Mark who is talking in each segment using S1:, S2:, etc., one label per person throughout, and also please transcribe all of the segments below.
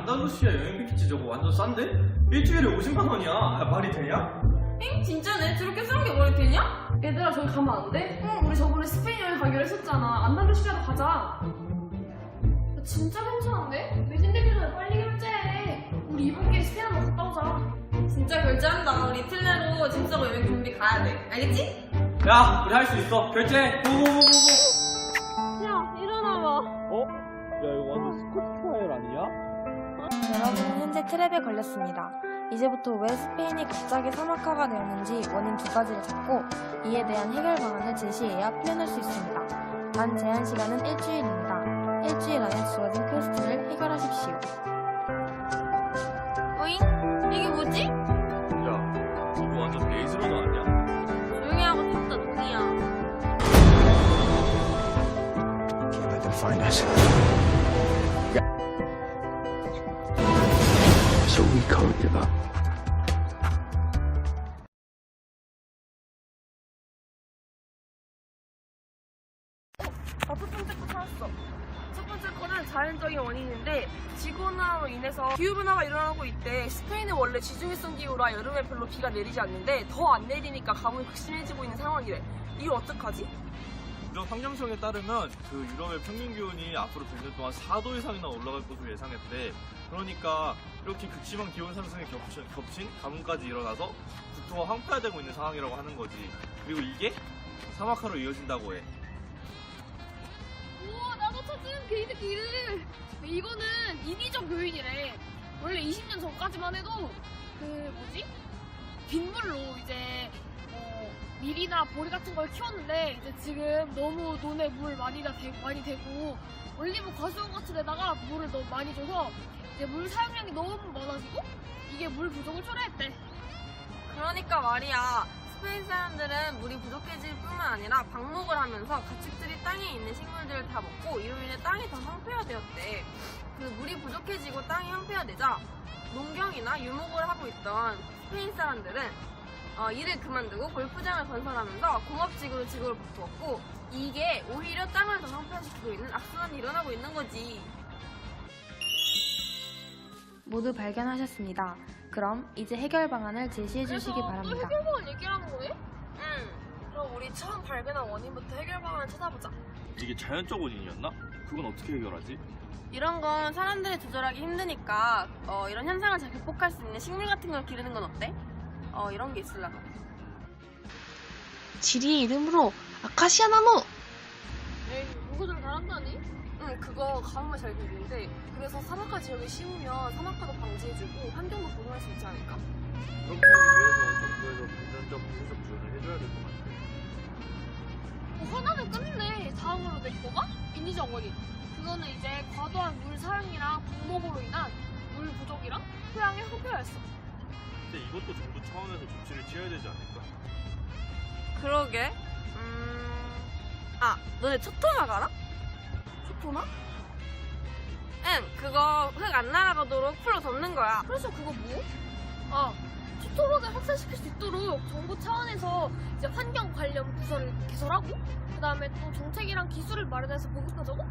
S1: 안달루시아 여행 패키지 저거 완전 싼데? 일주일에 50만 원이야. 말이 되냐?
S2: 엥? 진짜네? 저렇게 싼 게 말이 되냐? 얘들아 저기 가면 안 돼? 응, 우리 저번에 스페인 여행 가기로 했었잖아. 안달루시아로 가자. 진짜 괜찮은데? 매진 되기 전에 빨리 결제해. 우리 이번 기회에 스페인 한번 갔다 오자. 진짜 결제한다. 우리 이틀 내로 짐 싸고 여행 준비 가야 돼. 알겠지?
S1: 야, 우리 할 수 있어. 결제. 고고고고고.
S2: 야, 일어나봐.
S1: 어? 야, 이거 완전 스쿼트 트라이얼 아니야?
S3: 여러분은 현재 트랩에 걸렸습니다. 이제부터 왜 스페인이 갑자기 사막화가 되었는지 원인 두 가지를 찾고 이에 대한 해결 방안을 제시해야 풀려날 수 있습니다. 단 제한 시간은 일주일입니다. 일주일 안에 주어진 퀘스트를 해결하십시오.
S2: 어잉? 이게 뭐지?
S1: 야, 이거 완전 베이스로드 아니야?
S2: 조용히 하고 진짜 동이야.
S4: Let them find us. So we can't give up.
S2: 첫 번째 거 찾았어. 첫 번째 거는 자연적인 원인인데 지구온난화로 인해서 기후변화가 일어나고 있대. 스페인은 원래 지중해성 기후라 여름에 별로 비가 내리지 않는데 더 안 내리니까 가뭄이 극심해지고 있는 상황이래. 이걸 어떡하지?
S1: 이런 환경청에 따르면 그 유럽의 평균 기온이 앞으로 100년 동안 4도 이상이나 올라갈 것으로 예상했대. 그러니까 이렇게 극심한 기온 상승에 겹친 가뭄까지 일어나서 국토가 황폐화되고 있는 상황이라고 하는 거지. 그리고 이게 사막화로 이어진다고 해.
S5: 우와, 나도 찾은 게이드 길을. 이거는 인위적 요인이래. 원래 20년 전까지만 해도 빗물로 이제 밀이나 보리 같은 걸 키웠는데 이제 지금 너무 논에 물 많이 되고 올리브 과수원 같은 데다가 물을 너무 많이 줘서 이제 물 사용량이 너무 많아지고 이게 물 부족을 초래했대.
S2: 그러니까 말이야. 스페인 사람들은 물이 부족해질 뿐만 아니라 방목을 하면서 가축들이 땅에 있는 식물들을 다 먹고 이로 인해 땅이 더 황폐화되었대. 그 물이 부족해지고 땅이 황폐화되자 농경이나 유목을 하고 있던 스페인 사람들은 일을 그만두고 골프장을 건설하면서 공업지구로 지구를 바꾸었고 이게 오히려 땅을 더 황폐화시키고 있는 악순환이 일어나고 있는 거지.
S3: 모두 발견하셨습니다. 그럼 이제 해결 방안을 제시해 주시기
S5: 또
S3: 바랍니다.
S5: 해결방안 얘기하는 거네?
S2: 응. 그럼 우리 처음 발견한 원인부터 해결 방안을 찾아보자.
S1: 이게 자연적 원인이었나? 그건 어떻게 해결하지?
S2: 이런 건 사람들이 조절하기 힘드니까 이런 현상을 잘 극복할 수 있는 식물 같은 걸 기르는 건 어때? 이런 게 있으려나?
S6: 지리의 이름으로 아카시아 나무!
S5: 에이, 누구 좀 잘한다니?
S2: 응, 그거 가뭄을 잘 기르는데 그래서 사막화 지역에 심으면 사막화도 방지해주고 환경도 보존할 수 있지 않을까?
S1: 그렇게 하기 위해서 정부에서 금전적 부수적 지원을 해줘야 될 것 같아.
S5: 하나는 끝내. 다음으로 내 거가 인위적 원인. 그거는 이제 과도한 물 사용이랑 방목으로 인한 물 부족이랑 토양의 황폐화였어.
S1: 근데 이것도 정부 차원에서 조치를 취해야 되지 않을까?
S2: 그러게. 너네 초토막 알아? 초토막? 응, 그거 흙 안 날아가도록 풀로 덮는 거야.
S5: 그래서 그거 뭐? 초토막을 확산시킬 수 있도록 정부 차원에서 이제 환경 관련 부서를 개설하고 그 다음에 또 정책이랑 기술을 마련해서 보급하자고?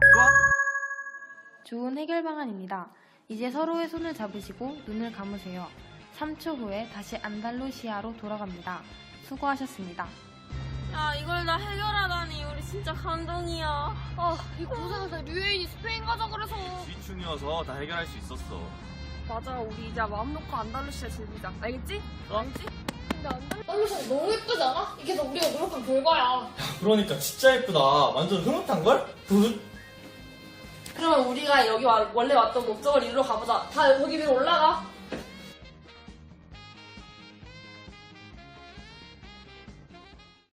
S3: 좋은 해결 방안입니다. 이제 서로의 손을 잡으시고 눈을 감으세요. 3초 후에 다시 안달루시아로 돌아갑니다. 수고하셨습니다.
S2: 야, 이걸 다 해결하다니 우리 진짜 감동이야.
S5: 이 고생해서 류에인이 스페인 가자 그래서.
S1: 지충이어서 다 해결할 수 있었어.
S2: 맞아, 우리 이제 마음 놓고 안달루시아 즐기자. 알겠지? 알겠지?
S5: 근데 안달루시아 너무 예쁘지 않아? 이게 다 우리가 노력한 결과야.
S1: 그러니까 진짜 예쁘다. 완전 흐뭇한걸?
S2: 그러면 우리가 여기 원래 왔던 목적을 이루러 가보자. 다 거기 위로 올라가.